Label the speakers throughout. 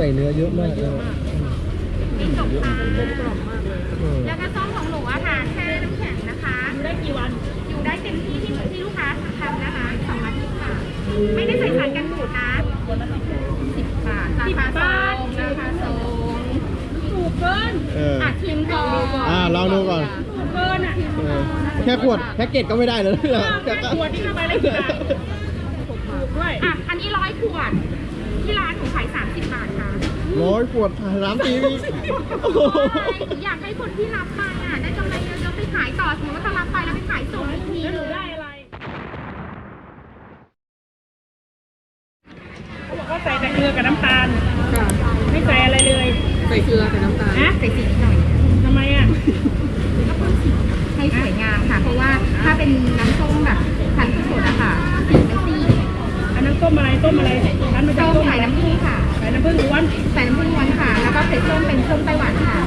Speaker 1: เนื้อเยอะมากเลย
Speaker 2: มีจบค่ะแล้วก็ส้มของหนูอะค่ะแช่น้ำแข็งนะคะอยู่ได้กี่วันอยู่ได้เต็มที่ที่ลูกค้าทำนะคะ2 อาทิตย์ค่ะไม่ได้ใส่สารกันบูดนะ10 บาทราคาส่งถูกเกินชิมก่อน
Speaker 1: ลองดูก่อน
Speaker 2: ถูกเกินอ่ะ
Speaker 1: แค่ขวดแพ็กเกจก็ไม่ได้เลย
Speaker 2: แค่ขวดที่ทำไมเลยกี่บาทถูกด้วยอันนี้100 ขวดที่ร้านหนูขาย30 บาทค่ะ
Speaker 1: 100 ขวด30 ปี
Speaker 2: อยากให้คนที่รับไปได้กำไรเยอะๆไปขายต่อสมมติว่าถ้ารับไปแล้วไปขายส่งอีกทีหนูได้อะไร
Speaker 3: เขาบอกว่าใส่แต่เกลือกับน้ำตาลไม่ใส่อะไรเลย
Speaker 2: ใส่เกลือใส่น้ำตาลใส่สีนิดหน่อย
Speaker 3: ทำไมอ่ะ
Speaker 2: ก็เพิ่มสีให้สวยงามค่ะเพราะว่าถ้าเป็นน้ำส้มแบบพันธุ์สดอะค่ะสีมันซีด
Speaker 3: อันนั้นต้มอะไรต้มมาจาก
Speaker 2: ต้มใส่น้ำผึ้งค่ะ
Speaker 3: ใส่น้ำผึ้งล้วน
Speaker 2: ใส่น้ำผึ้งล้วนค่ะแล้วก็ใส่ส้มเป็นส้มไต้หวันค่ะ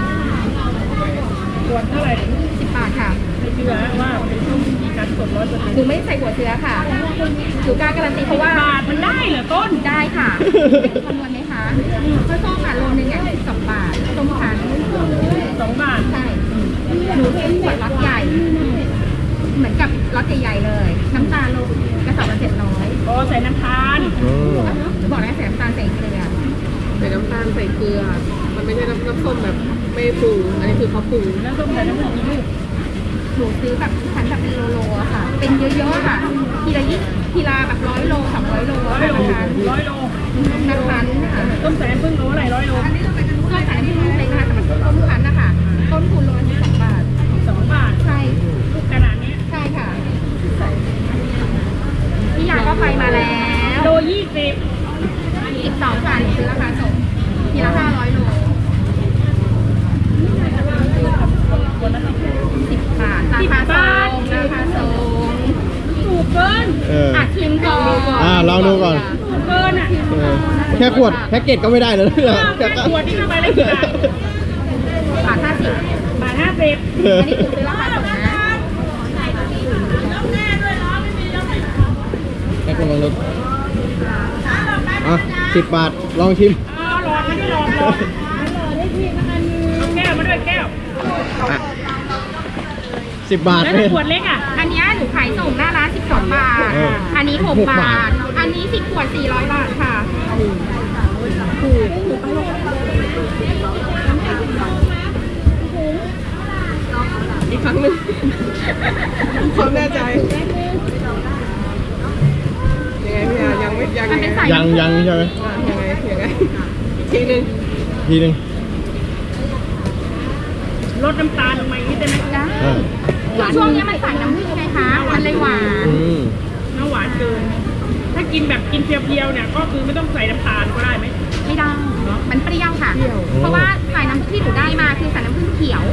Speaker 3: ขวดเท่าไหร่
Speaker 2: 10 บาทค่ะ
Speaker 3: ไม่เชื่อว่าเป็นส้มมีการสด100%
Speaker 2: หนูไม่ใส่หัวเชื้อค่ะหนูกล้าการันตีเพราะว่า
Speaker 3: บาทมันได้เหรอต้น
Speaker 2: ได้ค่ะคำนวณไหมคะข้าวส้มค่ะโลนึง2 บาทส้มพัน
Speaker 3: 2 บาท
Speaker 2: ใช่หนูซื้อขวดล็อตใหญ่เหมือนกับล็อตใหญ่ๆเลยน้ำตาลโลกระสอบละ700
Speaker 3: อ๋อใส่น้ำตาล
Speaker 2: บอกแล้วใส่น้ำตาลใส่เกลือ
Speaker 4: ใส่น้ำตาลใส่เกลือมันไม่ใช่น้ำส้มแบบไม่ปรุงอันนี้คือเขาปรุง
Speaker 3: น้ำส้มใส่น้ำผึ้งกี่ลูก
Speaker 2: หนูซื้อแบบชั้นแบบเป็นโลๆอะค่ะเป็นเยอะๆค่ะทีละแบบ100 โล200 โล
Speaker 3: 100 โล
Speaker 2: นะคะ
Speaker 3: ต้มใส่น้ำผึ้งโลอะไร100 โล
Speaker 2: ต้มใส่น้ำผึ้งโลเลยนะคะแต่มันต้มพันนะคะต้นทุนโลละ2 บาท
Speaker 3: 2 บาท
Speaker 2: ใช่
Speaker 3: ลูกขนาดนี้
Speaker 2: ใช่ค่ะพี่ยาก็ไปมาแล้ว
Speaker 3: โล20
Speaker 2: อีก2 ค่ะซื้อราคาส่งทีละ500 โล10 บาทราคาส่ง
Speaker 3: ถูกเกิน
Speaker 2: ชิมก่อน
Speaker 1: ลองดูก่อน
Speaker 3: ถูกเกินอ่ะ
Speaker 1: แค่ขวดแพ็กเกจก็ไม่ได้เลย
Speaker 3: แค่ขวดที่ทำไมเลยกี่บาท
Speaker 2: บาท50
Speaker 3: บาท50
Speaker 2: อันนี้คือซื้อราคาส่งนะ
Speaker 1: แค่คนลองดู10 บาทลองชิม
Speaker 3: หลอดไม่ได้หลอดแก้วมาด้วยแก้ว
Speaker 1: 10 บาท
Speaker 3: แล้วขวดเล็ก
Speaker 2: อันนี้หนูขายส่งหน้าร้าน12 บาทอันนี้6 บาทอันนี้10 ขวด400 บาทค่ะถูก
Speaker 4: อีกครั้งหนึ่งความแน่ใจยังไงพี่ยายัง
Speaker 1: ใช่ไหมยัง
Speaker 4: ไงทีนึง
Speaker 3: ลดน้ำตาลลงมาอีกนิดได้ไหม
Speaker 2: ช่วงนี้มันใส่น้ำผึ้งไงคะมันเลยหวาน
Speaker 3: น้ำหวานเกินถ้ากินแบบกินเพียวๆเนี่ยก็คือไม่ต้องใส่น้ำตาลก็ได้ไหม
Speaker 2: ไม่ได้มันเปรี้ยวค่ะเพราะว่าใส่น้ำที่หนูได้มาคือใส่น้ำผึ้งเขียว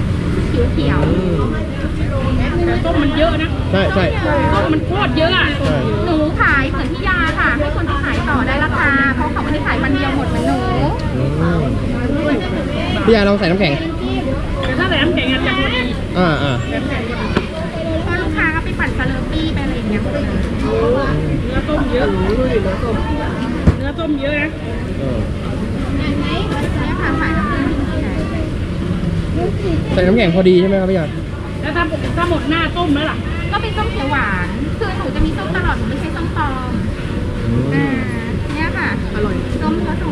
Speaker 3: แต่ต้มมันเยอะนะ
Speaker 1: ใช่
Speaker 3: ต้มมันโคตรเยอะ
Speaker 2: หนูขายเหมือนพี่ยาค่ะให้คนที่ขายต่อได้ราคาเพราะเขาไม่ได้ขายวันเดียวหมดเหมือนหนู
Speaker 1: พี่ยาลองใส่น้ำแข็ง
Speaker 3: แต่ถ้าใส่น้ำแข็งจะพอดี
Speaker 2: เพราะลูกค้าก็ไปปั่นสเลอร์ปี้ไปอะไรอย่างเงี้ย
Speaker 3: เนื้อต้มเยอะเนื้อต้มเยอะนะ
Speaker 2: เนี่ยค่ะใส่น้ำผึ้ง
Speaker 1: ใส่น้ำแข็งพอดีใช่ไหมครับพี่ยา
Speaker 3: แล้วถ้าหมดหน้าต้มแล้วล่ะ
Speaker 2: ก็เป็นส้มเขียวหวานคือหนูจะมีส้มตลอดหนูไม่ใช่ส้มปลอมเนี่ยค่ะ
Speaker 4: อร่อย
Speaker 2: ส้มผสม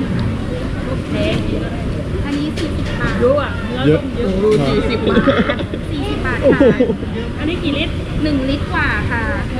Speaker 2: อันนี้40 บาท
Speaker 3: เยอะ
Speaker 1: เยอะ
Speaker 4: 40 บาท
Speaker 2: 40 บาทค่ะ
Speaker 3: อันนี้กี่ลิตร
Speaker 2: 1 ลิตรกว่าค่ะ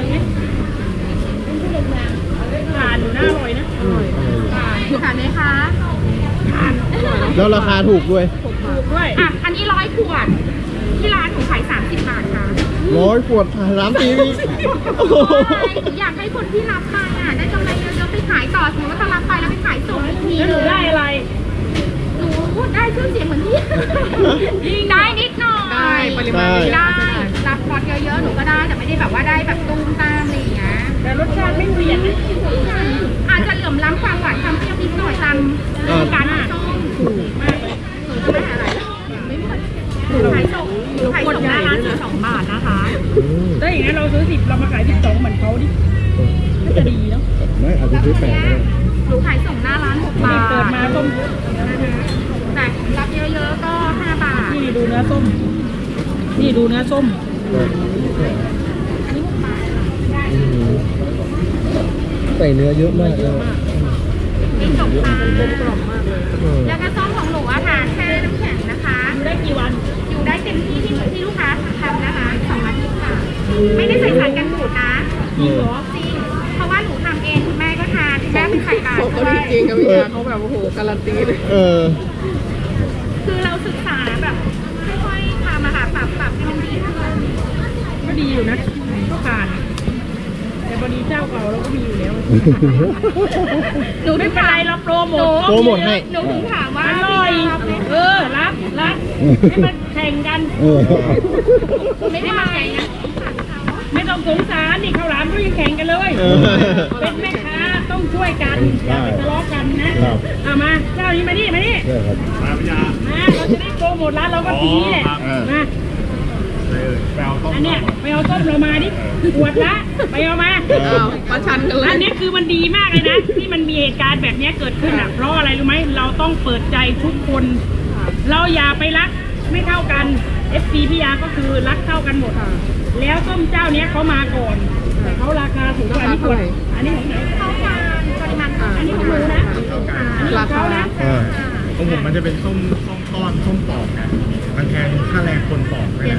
Speaker 3: ทานอยู่น่าอร่อยนะ
Speaker 2: ทานไหมคะ
Speaker 1: แล้วราคาถูกด้วย
Speaker 2: อันนี้100 ขวดที่ร้านหนูขาย30 บาทค่ะ
Speaker 1: 100 ขวด30 ปี
Speaker 2: อยากให้คนที่รับไปได้กำไรเยอะๆไปขายต่อสมมติว่าถ้ารับไปแล้วไปขายส่งอีกที
Speaker 3: แล้วหนูได้อะไร
Speaker 2: หนูได้ชื่อเสียงเหมือนพี่ได้นิดหน่อย
Speaker 4: ได้ปริมาณ
Speaker 2: ได้รับพอร์ตเยอะๆหนูก็ได้แต่ไม่ได้แบบว่าได้แบบตุ้มตามอะไรอย่างเงี้ย
Speaker 3: แต่รสชาติไม่เปลี่ยน
Speaker 2: อาจจะเหลื่อมล้ำความหวานความเปรี้ยวนิดหน่อยตามการส้มถูกมากเลยไม่อะไรขายส่งหน้าร้าน12 บาทนะคะ
Speaker 3: ถ้าอย่างนั้นเราซื้อ10เรามาขาย12เหมือนเขาดิน่าจะดีเนาะ
Speaker 1: ไม่อาจจะซื้อ8ก็ได้
Speaker 2: หนูขายส่งหน้าร้าน6 บาท
Speaker 3: เปิดมาต้มดูเนื้อส้ม
Speaker 1: ใส่เนื้อเยอะมากเลย
Speaker 2: มีจบค่ะ
Speaker 4: กรอบมากเลย
Speaker 2: ยากระส้มของหนูอะค่ะแช่น้ำแข็งนะคะ
Speaker 3: อยู่ได้กี่วัน
Speaker 2: อยู่ได้เต็มที่ที่ลูกค้าทำนะคะ2 อาทิตย์ค่ะ ไม่ได้ใส่สารกันบูดนะ
Speaker 3: จริงเหรอ
Speaker 2: จริง เพราะว่าหนูทำเองคุณแม่ก็ทานคุณแม่เป็นไข่บา
Speaker 4: เขา
Speaker 2: ท
Speaker 4: ก็
Speaker 2: ด้ว
Speaker 4: ดี
Speaker 2: ย
Speaker 4: จริงครับพี่ยาเขาแบบโอ้โหการันตีเลย
Speaker 2: คือเราศึกษาแบบค่อยๆทำอะค่ะปรับให้มันดีขึ้น
Speaker 3: ก็ดีอยู่นะก็ผ่าน แต่พอดีเจ้าเก่าเราก็มีอยู่แล้ว
Speaker 2: หนู
Speaker 3: ไม่
Speaker 2: ถึง
Speaker 3: เป็น
Speaker 2: ถา
Speaker 3: ไร
Speaker 2: ม
Speaker 3: เราโปรโมท
Speaker 1: โปรโมทให้
Speaker 2: หนูถึงถามว่า
Speaker 3: อร่อย
Speaker 2: รับไหม
Speaker 3: รับให้มันแข่งกัน
Speaker 2: ไม่ได้มาแข่งนะ
Speaker 3: ไม่ต้องสงสารนี่ข้าวหลามก็ยังแข่งกันเลย เป็นแม่ค้าต้องช่วยกันอย่าไปทะเลาะกันนะเอามาเจ้านี้มานี่มาเราจะได้โปรโมทร้านเราก็ทีนี้แหละมาอันเนี้ยไปเอาต้มเรามาดิขวดละไปเอามา
Speaker 4: อ้าวประชันกันเลย
Speaker 3: อันนี้คือมันดีมากเลยนะ ที่มันมีเหตุการณ์แบบนี้เกิดขึ้นอ่ะเพราะอะไรรู้ไหมเราต้องเปิดใจทุกคน เราอย่าไปรักไม่เท่ากัน FC พี่ยาก็คือรักเท่ากันหมด แล้วส้มเจ้าเนี้ยเขามาก่อนแต่เขาราคาถูกกว่าอันนี้ขวดอันนี้ของไหน
Speaker 2: เข้ามาปริมาณ
Speaker 3: อันนี้ของหนูนะอันนี้ของเขานะ
Speaker 5: ของผมมันจะเป็นส้มก้อนส้มปอกนะมันแทนค่าแรงคนปอกไม่ได้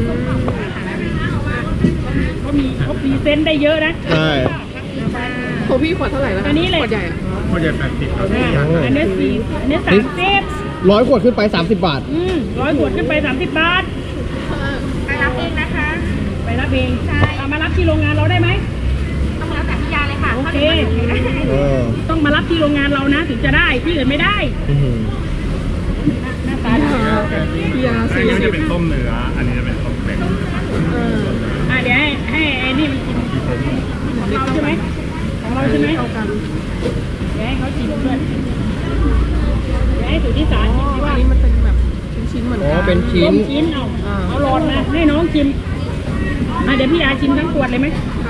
Speaker 3: เขาพรีเซนต์ได้เยอะนะ
Speaker 1: ใช่
Speaker 4: ของพี่ขวดเท่าไหร่แล้ว
Speaker 3: อันนี้เลย
Speaker 4: ขวดใหญ่อะ
Speaker 5: เขาจะ80ครับ
Speaker 3: อันนี้4อันนี้30
Speaker 1: 100 ขวดขึ้นไป 30 บาท
Speaker 3: 100 ขวดขึ้นไป30 บาท
Speaker 2: ไปรับเองนะคะ
Speaker 3: ไปรับเอง
Speaker 2: ใช่
Speaker 3: เอามารับที่โรงงานเราได้ไหม
Speaker 2: ต้องรับจากพี่ยาเลยค่ะ
Speaker 3: โอเคต้องมารับที่โรงงานเรานะถึงจะได้ที่อื่นไม่ได้หน้าตาดี
Speaker 4: พี่ยา
Speaker 5: อันนี้จะเป็นต้มเนื้อ อันนี้จะเป็นต้มเป็ด
Speaker 3: เดี๋ยวให้ไอ้นี่มันกินของเราใช่ไหมของเราใช่ไหมเอากันเดี๋ยวให้เขาชิมด้วยเดี๋ยวให้สุทธิสารชิมดีว่า
Speaker 4: อันนี้มันเป็นแบบชิ้นๆเหมือน
Speaker 1: อ๋อ
Speaker 4: กัน
Speaker 1: เป็นชิ้
Speaker 3: ต้
Speaker 1: น
Speaker 3: มชิ้นเอาหลอดมาให้น้องชิมเดี๋ยวพี่ยาชิมทั้งขวดเลยไหม
Speaker 4: ค่ะ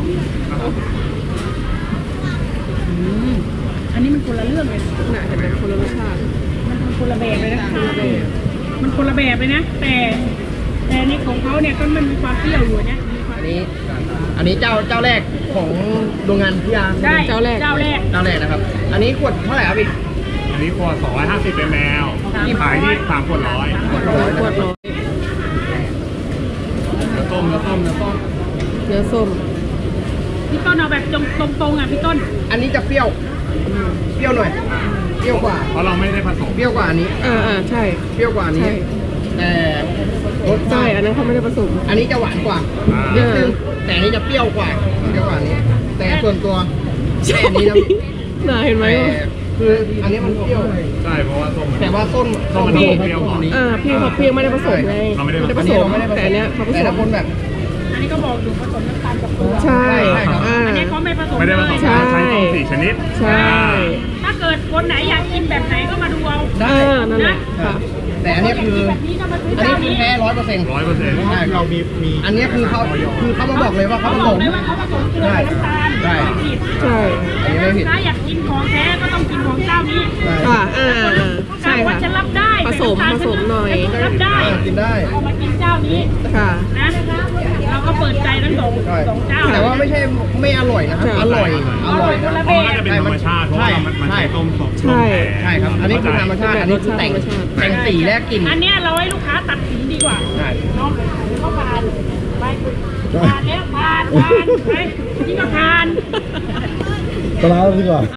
Speaker 3: อันนี้มันคนละเรื่องเลย
Speaker 4: น่าจะเป็นคนละรสชาติ
Speaker 3: มันคนละแบบเลยนะมันคนละแบบเลยนะแต่ในของเขาเนี่ยก็มันมีความเปรี้ยวอยู่เนี่ยมีความ
Speaker 1: อันนี้เจ้าแรกของโรงงานพี่ยา
Speaker 3: ได้
Speaker 4: เจ้าแรก
Speaker 3: เจ้าแรก
Speaker 1: เจ้าแรกนะครับ อันนี้ขวดเท่าไหร่ครับพี่
Speaker 5: อันนี้ขวด250 ml ขายที่3ขวด100
Speaker 4: ขวดร้อย
Speaker 5: เนื้อต้ม
Speaker 4: เนื้อส้ม
Speaker 3: พี่ต้นเอาแบบตรงๆอ่ะพี่ต้น
Speaker 1: อันนี้จะเปรี้ยวหน่อย เปรี้ยวกว่า
Speaker 5: เพราะเราไม่ได้ผสม
Speaker 1: เปรี้ยวกว่าอันนี้
Speaker 4: ใช่
Speaker 1: เปรี้ยวกว่าอันนี้
Speaker 4: ใช่
Speaker 1: แต่รส
Speaker 4: ใช่
Speaker 1: ชาติ
Speaker 4: อันนั้นเขาไม่ได้ผสม
Speaker 1: อันนี้จะหวานกว่านิดนึงแต่อันนี้จะเปรี้ยวกว่าอันนี้ แต่ส่วนตัวแค่อันนี้นะพี่
Speaker 4: น่าเห็นไหม
Speaker 1: แต่คืออันนี้มันเปรี้ยว
Speaker 5: ใช่เพราะว่าส้มมัน
Speaker 1: แต่ว่าส้ม
Speaker 5: ส้มมัน
Speaker 1: พี่
Speaker 5: เปรี้ยวกว่า
Speaker 4: พี่เขาเพียงไม่ได้ผสมไง
Speaker 5: เราไม่ได้ผสม
Speaker 4: ผสมแต่อันเนี้ยเขาผ
Speaker 1: แต่
Speaker 4: ส
Speaker 1: ถ้าม คนแบบ
Speaker 3: อันนี้ก็บอกอยู่ผสมน้ำตาลกับเกลือ
Speaker 4: ใช่
Speaker 1: ครับ
Speaker 3: อันนี้เขาไม่ผสม
Speaker 5: ไม่ได้ผ
Speaker 3: เล
Speaker 5: ส
Speaker 3: ย
Speaker 5: ม
Speaker 4: ใช่
Speaker 5: ใช้ส้ม4 ชนิด
Speaker 4: ใช่
Speaker 3: ถ้าเกิดคนไหนอยากกินแบบไหนก็มาดูเอา
Speaker 1: ได้
Speaker 4: นั่นแหละค่ะ
Speaker 1: แต่อันนี้คือ
Speaker 3: แบบนี้ก็มาซื้อ
Speaker 1: อัน
Speaker 3: เจ้า
Speaker 1: นี้คือ
Speaker 3: นี้
Speaker 1: แท้100%
Speaker 5: 100%
Speaker 1: ใช่ครับ
Speaker 5: มี
Speaker 1: อันนี้คือเขามาบอกเลยว่าเขา
Speaker 3: เขา
Speaker 1: ผ
Speaker 3: บ
Speaker 1: ส
Speaker 3: อก
Speaker 1: ม
Speaker 3: เลยว่าเขาผสมเกลือกับน้ำตาล
Speaker 1: ใช่
Speaker 3: ไม่ผิด
Speaker 4: ใช่
Speaker 1: อันนี้ไม่ผิด
Speaker 3: ถ้าอยากกินของแท้ก็ต้องกินของเจ้านี้
Speaker 4: ค่ะใช่
Speaker 3: ว่า
Speaker 4: ค่ะ
Speaker 3: จะรับได้
Speaker 4: ผสม
Speaker 3: แต่น้ำตาล
Speaker 4: ผสมหน่อย
Speaker 3: รับได้
Speaker 1: กินได้
Speaker 3: เอามากินเจ้านี้
Speaker 4: ค่ะ
Speaker 3: นะเราก็เปิดใจทั้งสองเจ้า
Speaker 1: แต่ว่าไม่ใช่ไม่อร่อยนะครับ
Speaker 4: ใช่
Speaker 1: อร่อย
Speaker 3: อร่อยคนละ
Speaker 5: เพราะมันน่าจะเป็นธรรมชาติ เพราะว่ามันใช้ต้มสด
Speaker 4: ใช่
Speaker 1: ใช่ครับ อันนี้คือธรรมชาติ อันนี้คือแต่งสีและกลิ่น
Speaker 3: อันเนี้ยเราให้ลูกค้าตัดสินดีกว่า
Speaker 1: ใช่
Speaker 3: เนาะเขาผ่านไปผ่านแล้วผ่านไปนี่ก็ผ่าน
Speaker 1: ตลาดดีกว่า